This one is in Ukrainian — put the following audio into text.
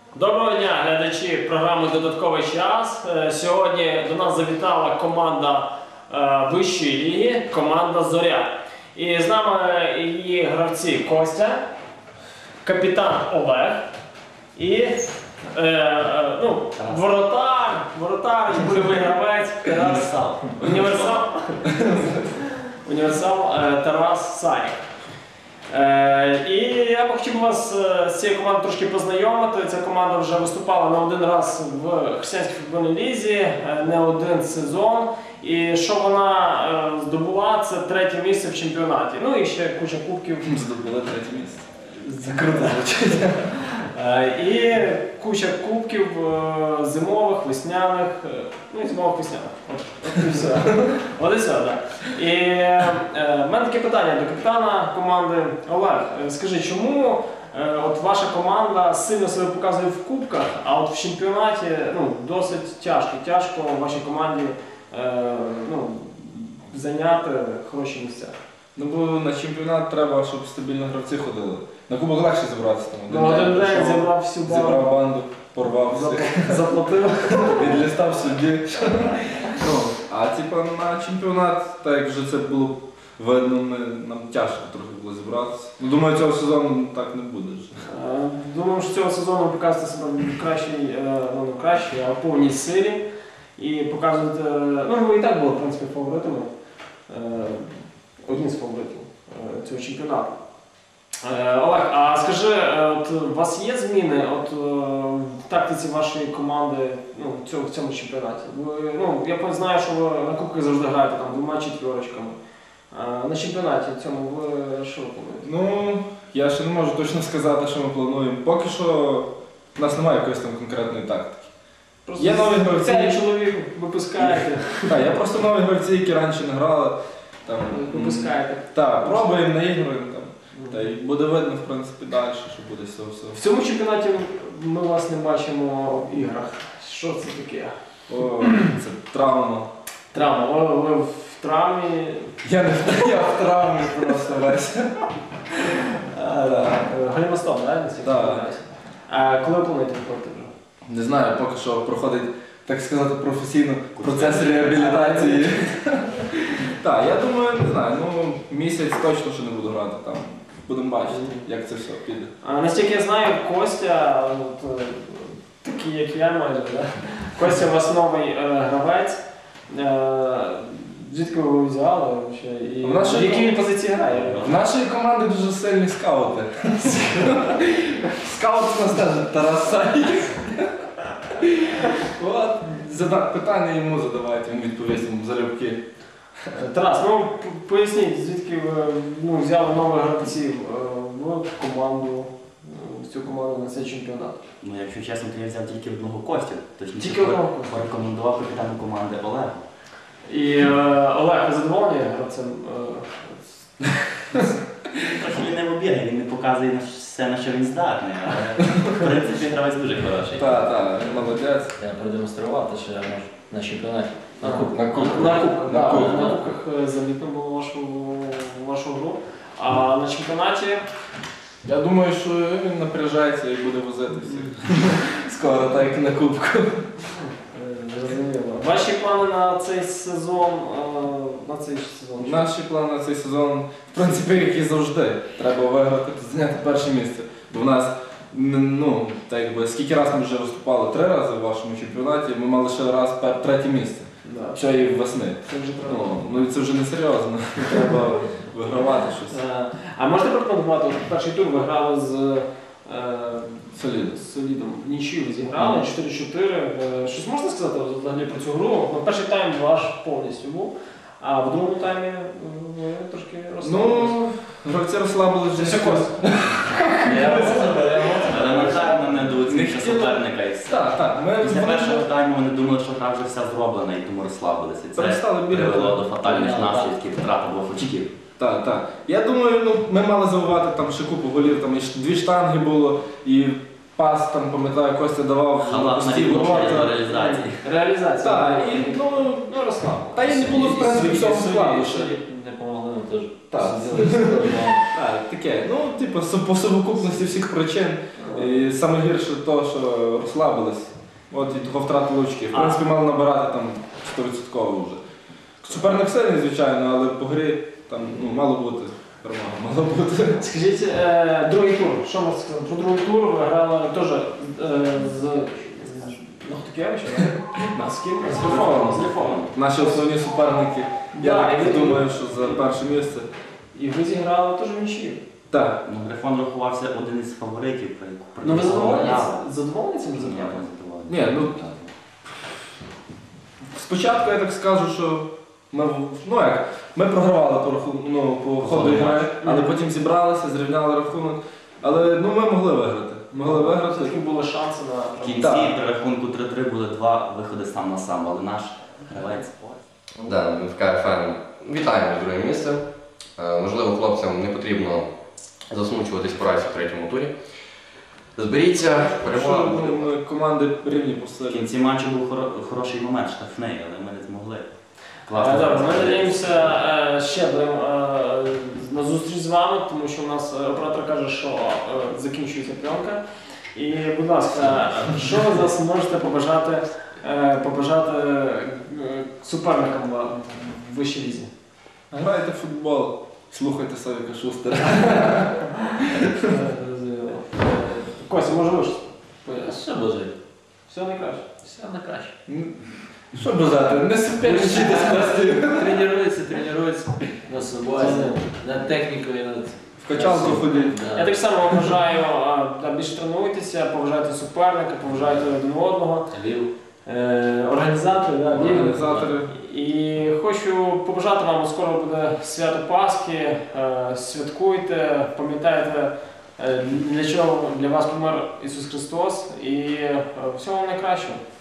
Доброго дня, глядачі програми «Додатковий час». Сьогодні до нас завітала команда вищої ліги, команда «Зоря». І з нами її гравці Костя, капітан Олег і воротар, бойовий гравець універсал Тарас Саєв. І я б хотів вас з цією командою трошки познайомити. Ця команда вже виступала не один раз в християнській футбольній лізі, не один сезон. І що вона здобула, це третє місце в чемпіонаті. Ну і ще куча кубків. Здобула третє місце. Закруто звучить. І куча кубків зимових, весняних, ну і зимових-весняних. От і все, так. І в мене таке питання до капітана команди. Олег, скажи, чому от ваша команда сильно себе показує в кубках, а от в чемпіонаті досить тяжко вашій команді зайняти хороші місця? Ну бо на чемпіонат треба, щоб стабільно гравці ходили. На кубок легше зібратися там. Один день зібрав всю банду. Зібрав банду, порвав всіх. Заплатив. Відлістав судді. А на чемпіонат, так як вже це було видно, нам тяжко трохи було зібратися. Думаю, цього сезону так не буде. Думаю, що цього сезону ви показуєте себе в кращій, а в повній силі. І показуєте, ви і так були, в принципі, фаворитами. Одні з фаворитів цього чемпіонату. Олег, а скажи, от у вас є зміни в тактиці вашої команди в цьому чемпіонаті? Я знаю, що ви на кубках завжди граєте двома четвірочками. На чемпіонаті цьому ви що плануєте? Я ще не можу точно сказати, що ми плануємо. Поки що в нас немає якоїсь там конкретної тактики. Є нові гравці, чоловік випускаєте. Так, я просто нові гравці, які раніше не грали. Випускаєте. Так, пробуємо, наігруємо. Та й буде видно, в принципі, далі, що буде з цього всього. В цьому чемпіонаті ми вас не бачимо в іграх. Що це таке? Це травма. Травма. Ви в травмі? Я в травмі просто весь. Галімостом, так? Так. А коли ви плануєте виходити вже? Не знаю, поки що проходить, так сказати, професійно процес реабілітації. Так, я думаю, не знаю, місяць точно що не буду грати там. Будемо бачити, як це все піде. Настільки я знаю, Костя, такий як я майже, Костя у вас новий гравець. Звідки ви його взяли? І в якій він позиції грає? В нашій команді дуже сильні скаути. Скаут у нас теж Тарас Саєв. Питання йому задавайте, він відповість йому залюбки. Тарас, поясніть, звідки ви взяли нових гравців в цю команду на цей чемпіонат? Якщо чесно, то я взяв тільки одного Костю. Тільки одного Костю? Порекомендував капітану команди Олегу. І Олег, ви задоволені гравцем? Трохи він не вибігає, він не показує все, на що він здатний, але в принципі гравець дуже хороший. Так, молодець. Я продемонстрував те, що я можу на чемпіонаті. На кубках замітно було вашу гру. А на чемпіонаті? Я думаю, що він напряжається і буде возити всіх. Скоро, так як на кубку. Зрозуміло. Ваші плани на цей сезон? Наші плани на цей сезон, в принципі, як і завжди. Треба виграти, зайняти перше місце. Бо в нас, скільки разів ми вже виступали? 3 рази в вашому чемпіонаті, ми мали ще раз третє місце. Ще і весни. Це вже треба. Це вже не серйозно. Треба вигравати щось. А можете прокоментувати, перший тур ви грали з Солідом. В нічию ви зіграли, 4-4. Щось можна сказати взагалі про цю гру? Перший тайм ваш повністю був, а в другому таймі ви трошки розслабилися. Гравці розслабилися вже. Все Кость. Елементарно недооцінка суперника і все. Так. Після першого тайму вони думали, що гра вже вся зроблена і тому розслабилися. Це Перестали бігати. привело до фатальних наслідків, втрати 2 очків. Так. Я думаю, ми мали забувати там ще купу голів, там і 2 штанги було, і пас, там, пам'ятаю, Костя давав Халатна відлучення до реалізації. Реалізація. Так, і розслаб. Та і не було, в принципі, всього складу ще. Не помогли нам теж. Так, таке. По совокупності всіх причин І саме гірше то, що розслабились. От і того втратили очки. В принципі, мали набирати там 100% вже. Суперник сильний, звичайно, але по грі там мало бути. Перемога мало бути. Скажіть, другий тур. Що можна сказати? Про другий тур ви грали теж з Нахтукевичем? З ким? З Ліфоном. Наші основні суперники. Я Да, так і ви- думаю, що за перше місце. І ви зіграли теж в нічию. Так. Ну, Грифон рахувався один із фаворитів. при Ну ви якому задоволені грали. цим Я результатом? не задоволений. Ні, ну спочатку я так скажу, що ми програвали по ходу гри, але потім зібралися, зрівняли рахунок. Але ми могли виграти. Могли виграти. Все-таки були шанси на... В кінці Так. при рахунку 3-3 були 2 виходи сам на сам, але наш гравець. Да, ми в КФМ вітаємо з другим місцем. Можливо, хлопцям не потрібно засмучуватись поразі в третьому турі. Зберіться, перемога буде. Ми команди рівні по В силі. кінці матчу був хороший момент, штрафний, але ми не змогли. Добре, ми надіємося ще будемо на зустріч з вами, тому що у нас оператор каже, що закінчується пленка. І, будь ласка, що ви зараз можете побажати суперникам в вищій лізі? Грайте в футбол, слухайте Савіка Шустера. Костя, може ви щось? Все бажаю. Все найкраще. Все на краще. Що бажати? Не супер вчити спасти. Тренуються на собою, над технікою, над... В качалку ходіть. Я так само вам бажаю більше тренуйтеся, поважайте суперника, поважайте один одного. Лів. Організатори, Організатори. І хочу побажати вам, скоро буде свято Пасхи, святкуйте, пам'ятайте, для чого для вас помер Ісус Христос, і всього вам найкращого.